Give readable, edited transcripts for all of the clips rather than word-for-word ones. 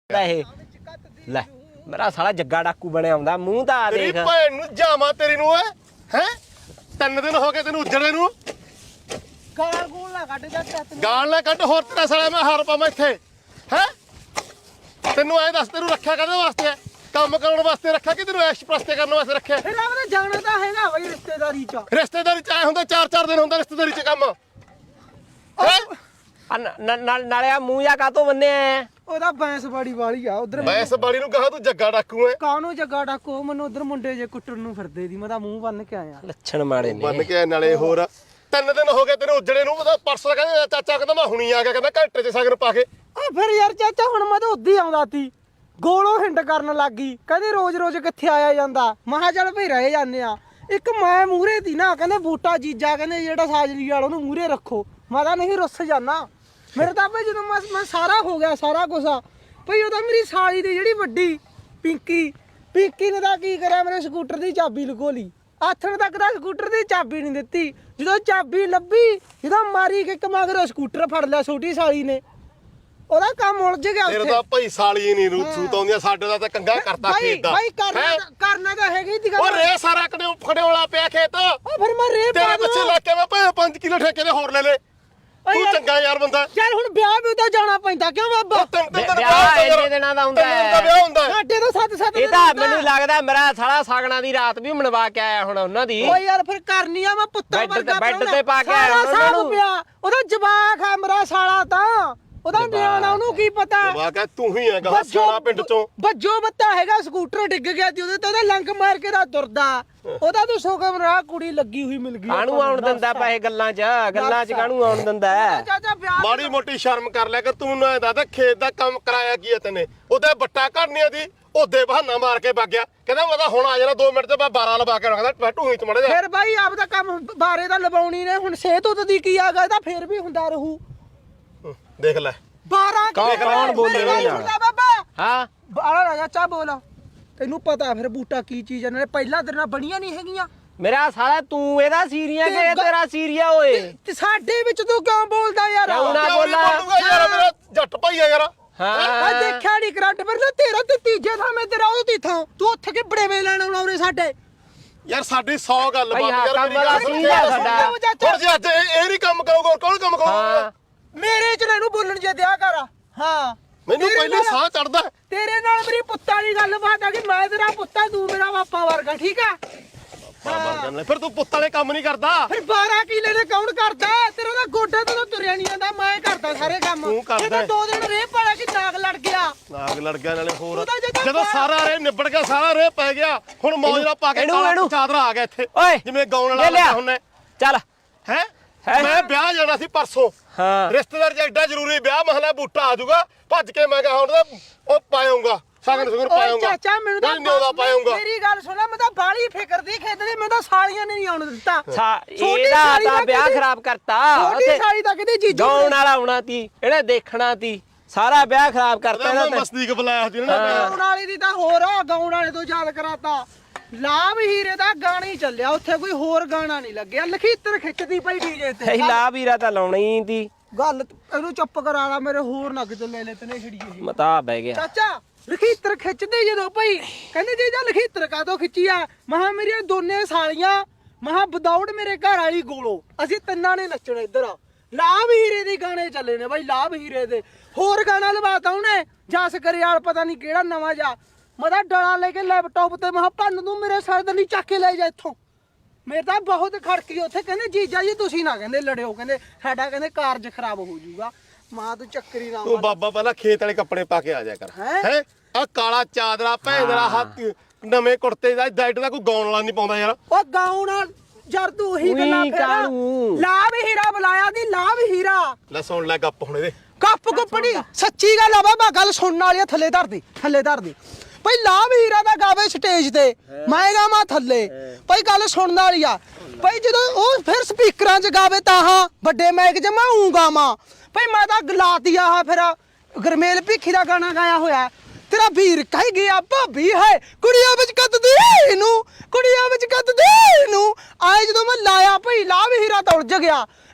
ਲੈ ਮੇਰਾ ਸਾਲਾ ਜੱਗਾ ਡਾਕੂ ਬਣਿਆ ਆਉਂਦਾ ਮੂੰਹ ਤਾਂ ਆ ਦੇਖ ਤੇਰੀ ਭੈਣ ਨੂੰ ਜਾਵਾਂ ਤੇਰੀ ਨੂੰ ਹੈ 3 ਦਿਨ ਹੋ ਗਏ ਤੈਨੂੰ ਉੱਜੜੇ ਨੂੰ ਗਾਲ ਗੂਲ ਨਾ ਕੱਢ ਜਾ ਤੈਨੂੰ ਗਾਲ ਨਾ ਕੱਢ ਹੋਰ ਤੇਰਾ ਸਾਲਾ ਮੈਂ ਹਾਰ ਪਾਵਾਂ ਇੱਥੇ ਹੈ ਤੈਨੂੰ ਐ ਦੱਸ ਤੈਨੂੰ ਰੱਖਿਆ ਕਾਹਦੇ ਵਾਸਤੇ ਹੈ ਕੰਮ ਕਰਨ ਵਾਸਤੇ ਰੱਖਿਆ ਕਿ ਤੈਨੂੰ ਐਸ਼ ਪ੍ਰਸਤੇ ਕਰਨ ਵਾਸਤੇ ਰੱਖਿਆ ਫਿਰ ਆਪਣਾ ਜਾਣਾ ਤਾਂ ਹੈਗਾ ਬਈ ਰਿਸ਼ਤੇਦਾਰੀ ਚ ਰਿਸ਼ਤੇਦਾਰੀ ਚ ਆਏ ਹੁੰਦਾ 4-4 ਦਿਨ ਹੁੰਦਾ ਰਿਸ਼ਤੇਦਾਰੀ ਚ ਕੰਮ ਨਾਲੇ ਆ ਮੂੰਹ ਜਾ ਕਾਤੋਂ ਬੰਨਿਆ ਉਹਦਾ ਬੈਂਸ ਬੜੀ ਵਾਲੀ ਆ ਉਧਰ ਮੈਂ ਇਸ ਬਾੜੀ ਨੂੰ ਕਹਾ ਤੂੰ ਜੱਗਾ ਡਾਕੂ ਐ ਕਾਹਨੂੰ ਜੱਗਾ ਡਾਕੋ ਮੈਨੂੰ ਉਧਰ ਮੁੰਡੇ ਜੇ ਕੁੱਟਣ ਨੂੰ ਫਿਰਦੇ ਦੀ ਮੈਂ ਤਾਂ ਮੂੰਹ ਬੰਨ ਕੇ ਆਇਆ ਲੱਛਣ ਮਾੜੇ ਨੇ ਬੰਨ ਕੇ ਨਾਲੇ ਹੋਰ 3 ਦਿਨ ਹੋ ਗਏ ਤੈਨੂੰ ਉੱਜੜੇ ਨੂੰ ਉਹਦਾ ਪਰਸੋਂ ਕਹਿੰਦਾ ਚਾਚਾ ਕਹਿੰਦਾ ਮੈਂ ਹੁਣੀ ਆ ਗਿਆ ਕਹਿੰਦਾ ਘੰਟੇ ਚ ਸਗਨ ਪਾ ਕੇ ਆ ਫਿਰ ਯਾਰ ਚਾਚਾ ਹੁਣ ਮੈਂ ਤਾਂ ਉੱਦੀ ਆਉਂਦਾ ਤੀ ਗੋਲੋਂ ਹਿੰਡ ਕਰਨ ਲੱਗੀ ਕਹਿੰਦੇ ਰੋਜ਼-ਰੋਜ਼ ਕਿੱਥੇ ਆਇਆ ਜਾਂਦਾ ਮਹਾ ਚੱਲ ਭਈ ਰਹਿ ਜਾਂਦੇ ਆ ਇੱਕ ਮੈਂ ਮੂਹਰੇ ਤੀ ਨਾ ਕਹਿੰਦੇ ਬੂਟਾ ਜੀਜਾ ਕਹਿੰਦੇ ਜਿਹੜਾ ਸਾਜਰੀ ਵਾਲਾ ਉਹਨੂੰ ਮੂਹਰੇ ਰੱਖੋ ਮੈਂ ਤਾਂ ਨਹੀਂ ਰੁੱਸ ਜਾਣਾ ਮੇਰੇ ਤਾਂ ਭਈ ਜਦੋਂ ਮੈਂ ਸਾਰਾ ਹੋ ਗਿਆ ਸਾਰਾ ਕੁਛ ਭਈ ਉਹ ਤਾਂ ਮੇਰੀ ਸਾਲੀ ਦੀ ਜਿਹੜੀ ਵੱਡੀ ਪਿੰਕੀ ਨੇ ਤਾਂ ਕੀ ਕਰਿਆ ਮੇਰੇ ਸਕੂਟਰ ਦੀ ਚਾਬੀ ਲੁਕੋ ਲਈ ਆਥਣ ਤੱਕ ਤਾਂ ਸਕੂਟਰ ਦੀ ਚਾਬੀ ਨਹੀਂ ਦਿੱਤੀ ਜਦੋਂ ਚਾਬੀ ਲੱਭੀ ਜਦੋਂ ਮਾਰੀ ਕਿ ਮਗਰ ਸਕੂਟਰ ਫੜ ਲਿਆ ਛੋਟੀ ਸਾਲੀ ਨੇ ਉਹਦਾ ਕੰਮ ਉਲਝ ਗਿਆ ਉੱਥੇ ਤੇਰੇ ਦਾ ਭਈ ਸਾਲੀ ਨਹੀਂ ਰੂਤ ਆਉਂਦੀਆਂ ਸਾਡੇ ਦਾ ਤਾਂ ਕੰਗਾ ਕਰਤਾ ਖੇਤ ਦਾ ਭਾਈ ਕਰਨਾ ਤਾਂ ਹੈਗਾ ਹੀ ਦੀ ਗੱਲ ਉਹ ਰੇ ਸਾਰਾ ਖੜਿਓਲਾ ਪਿਆ ਖੇਤ ਉਹ ਫਿਰ ਮੈਂ ਰੇ ਤੇਰੇ ਪਿੱਛੇ ਲੱਗ ਕੇ ਮੈਂ 5 ਕਿਲੋ ਠੇਕੇ ਦੇ ਹੋਰ ਲੈ ਲੈ ਤੂੰ ਚੰਗਾ ਯਾਰ ਬੰਦਾ ਯਾਰ ਹੁਣ ਵਿਆਹ ਵੀ ਤਾਂ ਜਾਣਾ ਪੈਂਦਾ ਕਿਉਂ ਬਾਬਾ ਵਿਆਹ ਇੰਨੇ ਦਿਨਾਂ ਦਾ ਹੁੰਦਾ ਹੈ ਵਿਆਹ ਹੁੰਦਾ ਸਾਡੇ ਤਾਂ 7-7 ਇਹ ਤਾਂ ਮੈਨੂੰ ਲੱਗਦਾ ਮੇਰਾ ਸਾਲਾ ਸਾਗਣਾ ਦੀ ਰਾਤ ਵੀ ਮਨਵਾ ਕੇ ਆਇਆ ਹੁਣ ਉਹਨਾਂ ਦੀ ਓਏ ਯਾਰ ਫਿਰ ਕਰਨੀ ਆ ਮੈਂ ਪੁੱਤਾਂ ਵਰਗਾ ਬੈੱਡ ਤੇ ਪਾ ਕੇ ਆਇਆ ਉਹਨਾਂ ਨੂੰ ਉਹਦਾ ਜਵਾਕ ਆ ਮੇਰਾ ਸਾਲਾ ਤਾਂ ਉਹਦਾ ਨਿਆਣਾ ਉਹਨੂੰ ਕੀ ਪਤਾ ਜਵਾਕ ਹੈ ਤੂੰ ਹੀ ਹੈਗਾ ਸਿਆਣਾ ਪਿੰਡ ਚੋਂ ਬੱਜੋ ਬੱਤਾ ਹੈਗਾ ਸਕੂਟਰ ਡਿੱਗ ਗਿਆ ਤੇ ਉਹਦੇ ਤੇ ਉਹਦਾ ਲੰਗ ਮਾਰ ਕੇ ਰਾ ਤੁਰਦਾ ਉਹਦਾ ਤੂੰ ਸੁਖਮ ਰਾਹ ਕੁੜੀ ਲੱਗੀ ਹੋਈ ਮਿਲ ਗਈ ਕਾਹਨੂੰ ਆਉਣ ਦਿੰਦਾ ਪੈਸੇ ਗੱਲਾਂ 'ਚ ਕਾਹਨੂੰ ਆਉਣ ਦਿੰਦਾ ਚਾਚਾ ਵਿਆਹ ਮਾੜੀ ਮੋਟੀ ਸ਼ਰਮ ਕਰ ਲਿਆ ਕਰ ਤੂੰ ਨਾ ਦਾਦਾ ਖੇਤ ਦਾ ਕੰਮ ਕਰਾਇਆ ਕੀ ਹੈ ਤੈਨੇ ਉਹਦੇ ਬੱਟਾ ਘੜਨੀਆਂ ਦੀ ਉਹਦੇ ਬਹਾਨਾ ਮਾਰ ਕੇ ਵਗ ਗਿਆ ਕਹਿੰਦਾ ਮੈਂ ਤਾਂ ਹੁਣ ਆ ਜਾਣਾ 2 ਮਿੰਟ ਤੇ ਮੈਂ 12 ਲਵਾ ਕੇ ਰੱਖਦਾ ਢੂਹੀ ਚ ਮੜ ਜਾ ਫਿਰ ਬਾਈ ਆਪਦਾ ਕੰਮ ਬਾਰੇ ਦਾ ਲਵਾਉਣੀ ਨੇ ਹੁਣ ਸਿਹਤ ਉਹਦੀ ਕੀ ਆ ਗਿਆ ਤਾਂ ਫਿਰ ਵੀ ਹੁੰਦਾ ਰਹੂ ਦੇਖ ਲੈ 12 ਕੌਣ ਬੋਲੇ ਬਾਬਾ ਹਾਂ ਬਾਲਾ ਰਾਜਾ ਚਾ ਬੋਲ ਤੈਨੂੰ ਪਤਾ ਫਿਰ ਬੂਟਾ ਕੀ ਚੀਜ਼ ਹੈ ਨਾਲੇ ਪਹਿਲਾਂ ਤੇਰੇ ਨਾਲ ਬਣੀਆਂ ਨਹੀਂ ਹੈਗੀਆਂ ਮੇਰਾ ਸਾਲਾ ਤੂੰ ਇਹਦਾ ਸੀਰੀਆ ਕਿ ਇਹ ਤੇਰਾ ਸੀਰੀਆ ਓਏ ਤੇ ਸਾਡੇ ਵਿੱਚ ਤੂੰ ਕਿਉਂ ਬੋਲਦਾ ਯਾਰ ਕਿਉਂ ਨਾ ਬੋਲਾ ਯਾਰ ਮੇਰਾ ਜੱਟ ਭਾਈ ਆ ਯਾਰ ਆ ਦੇਖਿਆ ਨਹੀਂ ਕਰੰਟ ਫਿਰ ਤੇਰਾ ਤੇ ਤੀਜੇ ਥਾਂ ਮੈਂ ਤੇਰਾ ਉਹ ਤੀਥਾਂ ਤੂੰ ਉੱਥੇ ਕਿ ਬੜੇਵੇਂ ਲੈਣ ਆਉਣਾ ਉਰੇ ਸਾਡੇ ਯਾਰ ਸਾਡੀ 100 ਗੱਲ ਬਾਤ ਯਾਰ ਕੰਮ ਵਾਲਾ ਸੀ ਸਾਡਾ ਹੋਰ ਜੇ ਅੱਜ ਇਹ ਨਹੀਂ ਕੰਮ ਕਰੋਗੇ ਕੌਣ ਕੰਮ ਕਰੂਗਾ ਮੇਰੇ ਚ ਇਹਨੂੰ ਬੋਲਣ ਜੇ ਦਿਆ ਕਰ ਹਾਂ ਮੈਨੂੰ ਪਹਿਲੇ ਸਾਹ ਚੜਦਾ ਤੇਰੇ ਨਾਲ ਮੇਰੀ ਪੁੱਤਾਂ ਦੀ ਗੱਲ ਬਾਤ ਆ ਕਿ ਮੈਂ ਤੇਰਾ ਪੁੱਤਾ ਤੂੰ ਮੇਰਾ ਪਾਪਾ ਵਰਗਾ ਠੀਕ ਆ ਫਿਰ ਤੂੰ ਪੁੱਤ ਵਾਲੇ ਕੰਮ ਨਹੀਂ ਕਰਦਾ ਫਿਰ 12 ਕਿਲੇ ਦੇ ਕੌਣ ਕਰਦਾ ਤੇਰਾ ਤਾਂ ਗੋਡਾ ਤੋਂ ਤੁਰਿਆ ਨਹੀਂ ਜਾਂਦਾ ਮੈਂ ਕਰਦਾ ਸਾਰੇ ਕੰਮ ਤੂੰ ਕਰਦਾ 2 ਦਿਨ ਰੇਹ ਪਾਲਾ ਕਿ ਨਾਗ ਲੜ ਗਿਆ ਨਾਗ ਲੜ ਗਿਆ ਨਾਲੇ ਹੋਰ ਜਦੋਂ ਸਾਰਾ ਰੇ ਨਿਬੜ ਗਿਆ ਸਾਰਾ ਰੇ ਪੈ ਗਿਆ ਹੁਣ ਮੌਜ ਨਾਲ ਪਾ ਕੇ ਚਾਦਰਾ ਆ ਗਿਆ ਇੱਥੇ ਜਿਵੇਂ ਗਾਉਣ ਵਾਲਾ ਹੁੰਨੇ ਚੱਲ ਹੈ ਮੈਂ ਵਿਆਹ ਜਾਣਾ ਸੀ ਪਰਸੋਂ ਰਿਸ਼ਤੇਦਾਰ ਚ ਐਡਾ ਜ਼ਰੂਰੀ ਵਿਆਹ ਮਹਲਾ ਬੂਟਾ ਆ ਜਾਊਗਾ ਭੱਜ ਕੇ ਮੈਂ ਕਿਹਾ ਹੁਣ ਉਹ ਪਾਇਆਉਂਗਾ ਸਾਗਨ ਸੁਗਨ ਪਾਇਆਉਂਗਾ ਚਾਚਾ ਮੈਨੂੰ ਤਾਂ ਨਿਉਦਾ ਪਾਇਆਉਂਗਾ ਮੇਰੀ ਗੱਲ ਸੁਣਾ ਮੈਂ ਤਾਂ ਬਾਲੀ ਫਿਕਰ ਦੀ ਖੇਡਦੀ ਮੈਂ ਤਾਂ ਸਾਲੀਆਂ ਨੇ ਨਹੀਂ ਆਉਣ ਦਿੱਤਾ ਇਹਦਾ ਤਾਂ ਵਿਆਹ ਖਰਾਬ ਕਰਤਾ ਛੋਟੀ ਸਾਲੀ ਤਾਂ ਕਿਤੇ ਜੀਜੂ ਗਾਉਣ ਵਾਲਾ ਆਉਣਾ ਤੀ ਇਹਨੇ ਦੇਖਣਾ ਤੀ ਸਾਰਾ ਵਿਆਹ ਖਰਾਬ ਕਰਤਾ ਇਹਨਾਂ ਨੇ ਮਸਤੀਕ ਬੁਲਾਇਆ ਸੀ ਨਾ ਗਾਉਣ ਵਾਲੀ ਦੀ ਤਾਂ ਹੋਰ ਗਾਉਣ ਵਾਲੇ ਤੋਂ ਯਾਦ ਕਰਾਤਾ ਲਾਭ ਹੀਰੇ ਦਾ ਗਾਣਾ ਹੀ ਚੱਲਿਆ ਉੱਥੇ ਕੋਈ ਹੋਰ ਗਾਣਾ ਨਹੀਂ ਲੱਗਿਆ ਲਖੀਤਰ ਖਿੱਚਦੀ ਪਈ ਡੀਜੇ ਤੇ ਸਹੀ ਲਾਭ ਹੀਰਾ ਤਾਂ ਲਾਉਣਾ ਹੀ ਤੀ ਗੱਲ ਇਹਨੂੰ ਚੁੱਪ ਕਰਾ ਲਾ ਮੇਰੇ ਹੋਰ ਨਗ ਤੇ ਲੈ ਤਨੇ ਛੜੀਏ ਮਤਾ ਬਹਿ ਗਿਆ ਚਾਚਾ ਲਖੀਤਰ ਖਿੱਚਦੇ ਜਦੋਂ ਭਾਈ ਕਹਿੰਦੇ ਜੇ ਜਾਂ ਲਖੀਤਰ ਕਾਦੋਂ ਖਿੱਚੀ ਆ ਮਹਾ ਮੇਰੀਆਂ ਦੋਨੇ ਸਾਲੀਆਂ ਮਹਾ ਵਿਦਾਊਟ ਮੇਰੇ ਘਰ ਵਾਲੀ ਗੋਲੋ ਅਸੀਂ ਤਿੰਨਾਂ ਨੇ ਨੱਚਣਾ ਇੱਧਰ ਲਾਭ ਹੀਰੇ ਦੇ ਗਾਣੇ ਚੱਲੇ ਨੇ ਬਾਈ ਲਾਭ ਹੀਰੇ ਦੇ ਹੋਰ ਗਾਣਾ ਲਵਾਤਾ ਉਹਨੇ ਜਸ ਕਰਿਆਲ ਪਤਾ ਨਹੀਂ ਕਿਹੜਾ ਨਵਾਂ ਜਾ ਮੈਂ ਤਾਂ ਡਾਲਾ ਲੈ ਕੇ ਲੈਪਟਾਪ ਤੇ ਮਹਾ ਭੰਨ ਦੂੰ ਮੇਰੇ ਸਰ ਦੇ ਨਹੀਂ ਚੱਕ ਕੇ ਲੈ ਜਾ ਇੱਥੋਂ ਮੇਰੇ ਤਾਂ ਬਹੁਤ ਖੜਕੀ ਉੱਥੇ ਕਹਿੰਦੇ ਜੀਜਾ ਜੀ ਤੁਸੀਂ ਨਾ ਕਹਿੰਦੇ ਲੜਿਓ ਕਹਿੰਦੇ ਸਾਡਾ ਕਹਿੰਦੇ ਕਾਰਜ ਖਰਾਬ ਹੋ ਜਾਊਗਾ ਮਾਂ ਤੂੰ ਚੱਕਰੀ ਨਾ ਤੂੰ ਬਾਬਾ ਪਹਿਲਾਂ ਖੇਤ ਵਾਲੇ ਕੱਪੜੇ ਪਾ ਕੇ ਆ ਜਾ ਕਰ ਹੈ ਆ ਕਾਲਾ ਚਾਦਰਾ ਭੈਂਦਰਾ ਹੱਥ ਨਵੇਂ ਕੁੜਤੇ ਦਾ ਡਾਈਟ ਦਾ ਕੋਈ ਗਾਉਣ ਵਾਲਾ ਨਹੀਂ ਪਾਉਂਦਾ ਯਾਰ ਉਹ ਗਾਉਣ ਯਾਰ ਤੂੰ ਉਹੀ ਗੱਲਾਂ ਫੇਰ ਲਾਭ ਹੀਰਾ ਬੁਲਾਇਆ ਦੀ ਲਾਭ ਹੀਰਾ ਲੈ ਸੁਣ ਲੈ ਗੱਪ ਹੁਣ ਇਹਦੇ ਗੱਪ ਗੁੱਪੜੀ ਸੱਚੀ ਗੱਲ ਆ ਬਾਬਾ ਗੱਲ ਸੁਣਨ ਵਾਲੀ ਥੱਲੇ ਧਰ ਦੇ ਭਾਈ ਲਾਭ ਹੀਰਾ ਦਾ ਗਾਵੇ ਸਟੇਜ ਤੇ ਮੈਂ ਗਾਵਾਂ ਥੱਲੇ ਭਾਈ ਗੱਲ ਸੁਣਨ ਵਾਲੀ ਆ ਭਾਈ ਜਦੋਂ ਉਹ ਫਿਰ ਸਪੀਕਰਾਂ 'ਚ ਗਾਵੇ ਤਾਂ ਹਾਂ ਵੱਡੇ ਮਾਈਕ 'ਚ ਮੈਂ ਊਂ ਗਾਵਾਂ ਭਾਈ ਮੈਂ ਤਾਂ ਗਲਾਤੀ ਆ ਫਿਰ ਗਰਮੇਲ ਭਿੱਖੀ ਦਾ ਗਾਣਾ ਗਾਇਆ ਹੋਇਆ ਤੇਰਾ ਵੀਰ ਕਹਿ ਗਿਆ ਭਾਬੀ ਹੈ ਕੁੜੀਆਂ ਵਿੱਚ ਕੱਦਦੀ ਨੂੰ ਕੁੜੀਆਂ ਵਿੱਚ ਕੱਦਦੀ ਨੂੰ ਆਏ ਜਦੋਂ ਮੈਂ ਲਾਇਆ ਭਾਈ ਲਾਭ ਹੀਰਾ ਤਾਂ ਉਲਝ ਗਿਆ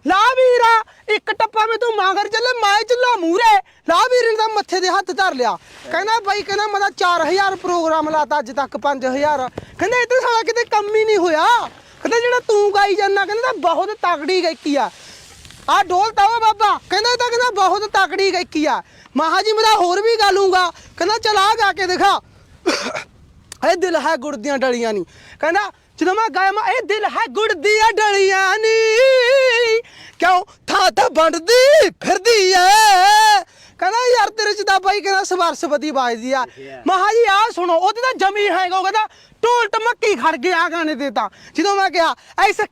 ਲਾ ਵੀਰਾ ਇੱਕ ਟੱਪਾ ਮੈਂ ਤੂੰ ਮਾਂਗਰ ਚੱਲੇ ਮੈਂ ਚੱਲਾ ਮੂਰੇ। ਲਾ ਵੀਰ ਨੇ ਤਾਂ ਮੱਥੇ ਦੇ ਹੱਥ ਧਰ ਲਿਆ। ਕਹਿੰਦਾ ਬਾਈ ਕਹਿੰਦਾ ਮੈਂ ਤਾਂ 4000 ਪ੍ਰੋਗਰਾਮ ਲਾਤਾ ਅੱਜ ਤੱਕ 5000। ਕਹਿੰਦਾ ਇਹ ਤਾਂ ਸਾਲਾ ਕਿਤੇ ਕੰਮ ਹੀ ਨਹੀਂ ਹੋਇਆ। ਕਹਿੰਦਾ ਜਿਹੜਾ ਤੂੰ ਗਾਈ ਜਾਂਦਾ ਕਹਿੰਦਾ ਤਾਂ ਬਹੁਤ ਤਕੜੀ ਗਾਇਕੀ ਆ ਢੋਲ ਤਾਵਾ ਬਾਬਾ ਕਹਿੰਦਾ ਇਹ ਤਾਂ ਕਹਿੰਦਾ ਬਹੁਤ ਤਕੜੀ ਗਾਇਕੀ ਆ। ਮਹਾ ਜੀ ਮੈਂ ਤਾਂ ਹੋਰ ਵੀ ਗਾ ਲੂੰਗਾ। ਕਹਿੰਦਾ ਚਲ ਆ ਗਾ ਕੇ ਦਿਖਾ। ਇਹ ਦਿਲ ਹੈ ਗੁੜ ਦੀਆਂ ਡਲੀਆਂ ਨੀ। ਕਹਿੰਦਾ ਜਦੋਂ ਮੈਂ ਗਾਇਆ ਮੈਂ ਇਹ ਦਿਲ ਹੈ ਗੁੜ ਦੀਆਂ ਡਲੀਆਂ ਨੀ ਕਿਉਂ ਥਾਂ ਬਣਦੀ ਫਿਰਦੀ ਐ। ਕਹਿੰਦਾ ਯਾਰ ਤੇਰੇ ਚ ਤਾਂ ਬਾਈ ਕਹਿੰਦਾ ਸਵਰਸਪਤੀ ਬਾਜਦੀ ਆ। ਮਹਾ ਜੀ ਆ ਸੁਣੋ ਉਹਦੇ ਤਾਂ ਜਮੀ ਹੈਗਾ। ਉਹ ਕਹਿੰਦਾ ਢੋਲ ਟਮੱਕੀ ਖੜ ਗਿਆ ਗਾਣੇ ਤੇ ਤਾਂ ਜਦੋਂ ਮੈਂ ਕਿਹਾ ਐਸਾ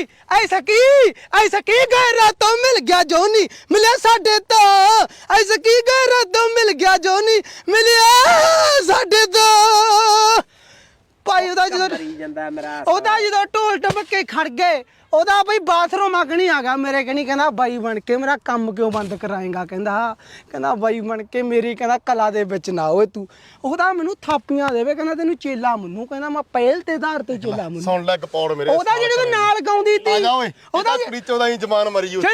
ਕੀ ਗਏ ਰਾਤੋਂ ਮਿਲ ਗਿਆ ਜੋ ਨਹੀਂ ਮਿਲਿਆ ਸਾਡੇ ਤੋਂ। ਐਸਾ ਕੀ ਗਏ ਰਾਤੋਂ ਮਿਲ ਗਿਆ ਜੋ ਨਹੀਂ ਮਿਲਿਆ ਸਾਡੇ ਤੋਂ। ਭਾਈ ਉਹਦਾ ਜਦੋਂ ਢੋਲ ਟਮੱਕੇ ਖੜ ਗਏ ਉਹਦਾ ਬਈ ਬਾਥਰੂਮ ਅਗਣੀ ਆ ਗਿਆ ਮੇਰੇ ਕਨੀ। ਕਹਿੰਦਾ ਬਾਈ ਬਣ ਕੇ ਮੇਰਾ ਕੰਮ ਕਿਉਂ ਬੰਦ ਕਰਾਏਗਾ। ਕਹਿੰਦਾ ਬਾਈ ਬਣ ਕੇ ਮੇਰੀ ਕਹਿੰਦਾ ਕਲਾ ਦੇ ਵਿੱਚ ਨਾ ਓਏ ਤੂੰ। ਉਹਦਾ ਮੈਨੂੰ ਥਾਪੀਆਂ ਦੇਵੇ ਕਹਿੰਦਾ ਤੈਨੂੰ ਚੇਲਾ ਮੰਨੂ। ਕਹਿੰਦਾ ਮੈਂ ਪਹਿਲ ਤੇ ਆਧਾਰ ਤੇ ਚੇਲਾ ਮੰਨੂ। ਸੁਣ ਲੈ ਗਪੌੜ ਮੇਰੇ ਉਹਦਾ ਜਿਹੜੇ ਨਾਲ ਗਾਉਂਦੀ ਤੀ ਆ ਜਾ ਓਏ ਉਹਦਾ ਪ੍ਰੀਚੋ ਦਾ ਹੀ ਜਮਾਨ ਮਰੀ ਉੱਥੇ।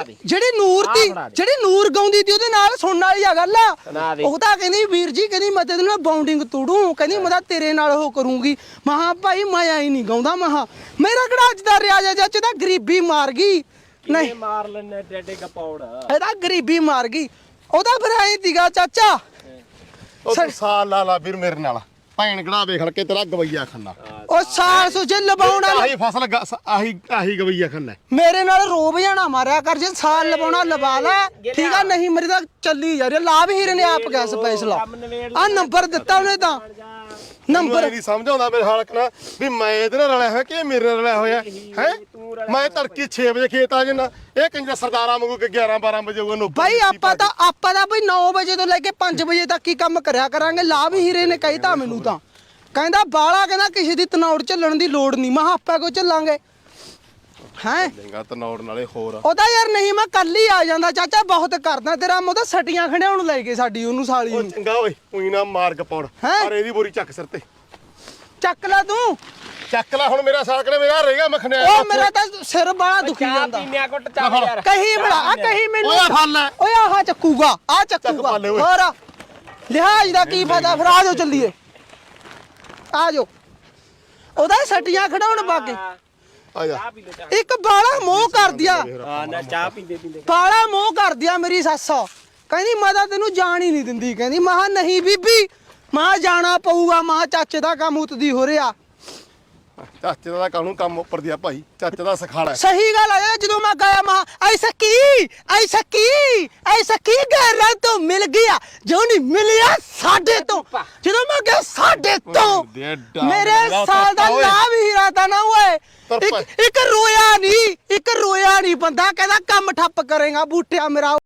ਜਿਹੜੀ ਨੂਰ ਗਾਉਂਦੀ ਤੀ ਉਹਦੇ ਨਾਲ ਸੁਣਨ ਵਾਲੀ ਆ ਗੱਲ ਆ। ਉਹ ਤਾਂ ਕਹਿੰਦੀ ਵੀਰ ਜੀ ਕਹਿੰਦੀ ਮੈਂ ਤੇਰੇ ਨਾਲ ਬਾਉਂਡਿੰਗ ਤੋੜੂ। ਕਹਿੰਦੀ ਮੈਂ ਤਾਂ ਤੇਰੇ ਨਾਲ ਉਹ ਕਰੂੰਗੀ। ਮਹਾ ਭਾਈ ਮੈਂ ਆਈ ਨਹੀਂ ਗਾਉਂਦਾ। ਮਹਾ ਮੇਰਾ ਕਿਹੜਾ ਅੱਜ ਦਾ ਰਿਆਜ਼ ਜੱਜ ਤਾਂ ਗਰੀਬੀ ਮਾਰ ਗਈ। ਨਹੀਂ ਮਾਰ ਲੈਣੇ ਡੇਡੇ ਗਪੌੜ ਇਹਦਾ ਗਰੀਬੀ ਮਾਰ ਗਈ। ਉਹਦਾ ਫਿਰ ਆਈ ਤੀਗਾ ਚਾਚਾ ਉਹ ਤੂੰ ਸਾਲ ਲਾ ਵੀਰ ਮੇਰੇ ਨਾਲ ਭੈਣ ਗੜਾ ਵੇਖ ਕੇ ਤੇਰਾ ਗਵਈਆ ਖੰਨਾ। ਉਹ ਸਾਲ ਸੁਜੇ ਲਵਾਉਣਾ ਆਹੀ ਫਸਲ ਆਹੀ ਗਵਈਆ ਖੰਨਾ। ਮੇਰੇ ਨਾਲ ਰੋਬ ਜਾਣਾ ਮਾਰਿਆ ਕਰ। ਜੇ ਸਾਲ ਲਵਾਉਣਾ ਲਵਾ ਲੈ ਠੀਕ ਆ। ਨਹੀਂ ਮੇਰੀ ਤਾਂ ਚੱਲੀ ਜਾ ਰਹੀ। ਲਾਭ ਹੀਰੇ ਨੇ ਆਪ ਗਿਆ ਸਪੈਸ਼ਲ ਆ ਨੰਬਰ ਦਿੱਤਾ ਉਹਨੇ ਤਾਂ ਨੰਬਰ ਨਹੀਂ ਸਮਝ ਆਉਂਦਾ ਮੇਰੇ ਹਾਲਕ ਨਾ ਵੀ ਮੈਂ ਇਹਦੇ ਨਾਲ ਰਲਿਆ ਹੋਇਆ ਕਿ ਮੇਰੇ ਨਾਲ ਰਲਿਆ ਹੋਇਆ ਹੈ। ਮੈਂ ਤੜਕੀ 6 ਵਜੇ ਖੇਤ ਆ ਜਾਣਾ। ਇਹ ਕੰਜਰ ਸਰਦਾਰਾਂ ਵਾਂਗੂ 11-12 ਵਜੇ ਹੋਊਗਾ। ਭਾਈ ਆਪਾਂ ਤਾਂ ਬਈ 9 ਵਜੇ ਤੋਂ ਲੈ ਕੇ 5 ਵਜੇ ਤੱਕ ਹੀ ਕੰਮ ਕਰਿਆ ਕਰਾਂਗੇ। ਲਾਭ ਹੀਰੇ ਨੇ ਕਹਿਤਾ ਮੈਨੂੰ ਤਾਂ ਕਹਿੰਦਾ ਬਾਲਾ ਕਹਿੰਦਾ ਕਿਸੇ ਦੀ ਤਨੌੜ ਝੱਲਣ ਦੀ ਲੋੜ ਨਹੀਂ। ਮੈਂ ਆਪਾਂ ਕੋ ਝੱਲਾਂਗੇ ਹੈ ਚੰਗਾ ਤਨੌੜ ਨਾਲੇ ਹੋਰ ਉਹਦਾ ਯਾਰ ਨਹੀਂ ਮੈਂ ਕੱਲ ਹੀ ਆ ਜਾਂਦਾ ਚਾਚਾ ਬਹੁਤ ਕਰਦਾ ਤੇਰਾ। ਮੈਂ ਉਹਦਾ ਸਟੀਆਂ ਖੜਿਆਉਣ ਲੈ ਕੇ ਸਾਡੀ ਉਹਨੂੰ ਸਾਲੀ ਨੂੰ। ਚੰਗਾ ਓਏ ਉਹੀ ਨਾ ਮਾਰ ਗਪੌੜ ਪਰ ਇਹਦੀ ਬੋਰੀ ਚੱਕ ਸਿਰ ਤੇ ਚੱਕ ਲੈ ਤੂੰ ਚੱਕ ਲੈ ਹੁਣ ਮੇਰਾ ਸਾਕੜੇ ਮੇਰਾ ਰਹਿ ਗਿਆ ਮਖਣਿਆ। ਉਹ ਮੇਰਾ ਤਾਂ ਸਿਰ ਬਾਲਾ ਦੁਖੀ ਜਾਂਦਾ। ਪੀਨਿਆ ਘੁੱਟ ਚੱਲ ਯਾਰ ਕਹੀ ਬੜਾ ਕਹੀ ਮੈਨੂੰ ਓਏ ਫੜ ਲੈ ਓਏ ਆਹ ਚੱਕੂਗਾ ਆ ਚੱਕੂਗਾ ਹੋਰ ਲਿਹਾਜ਼ ਦਾ ਕੀ ਫਾਇਦਾ। ਫਿਰ ਆ ਜਾਓ ਚੱਲੀਏ ਆ ਜਾਓ। ਉਹਦਾ ਸਟੀਆਂ ਖੜਾਉਣ ਬਾਗੇ ਆ ਜਾ। ਇੱਕ ਬਾਲਾ ਮੋਹ ਕਰ ਦਿਆ। ਹਾਂ ਨਾ ਚਾਹ ਪੀਂਦੇ ਬਾਲਾ ਮੋਹ ਕਰ ਦਿਆ ਮੇਰੀ ਸੱਸ। ਕਹਿੰਦੀ ਮੈਂ ਤਾਂ ਤੈਨੂੰ ਜਾਣ ਹੀ ਨਹੀਂ ਦਿੰਦੀ। ਕਹਿੰਦੀ ਮਹਾ ਨਹੀਂ ਬੀਬੀ ਮਾਂ ਜਾਣਾ ਪਊਗਾ। ਮਾਂ ਚਾਚੇ ਦਾ ਕੰਮ ਉਤਦੀ ਹੋ ਰਿਹਾ। ਚਾਚੇ ਦਾ ਕਾਹਨੂੰ ਕੰਮ ਉੱਪਰ ਦਿਆ ਭਾਈ। ਚਾਚੇ ਦਾ ਸਖਾਲਾ ਸਹੀ ਗੱਲ ਆ। ਜਦੋਂ ਮੈਂ ਗਿਆ ਮਾਂ ਐਸਾ ਕੀ ਗੈਰਾਂ ਤੋਂ ਮਿਲ ਗਿਆ ਜੋ ਨਹੀਂ ਮਿਲਿਆ ਸਾਡੇ ਤੋਂ। ਜਦੋਂ ਮੈਂ ਗਿਆ ਸਾਡੇ ਤੋਂ ਮੇਰੇ ਸਾਲ ਦਾ ਲਾਭ ਹੀਰਾ ਤਾਂ ਨਾ ਓਏ। ਇੱਕ ਰੋਇਆ ਨਹੀਂ ਬੰਦਾ ਕਹਿੰਦਾ ਕੰਮ ਠੱਪ ਕਰੇਗਾ ਬੂਟਿਆ ਮੇਰਾ।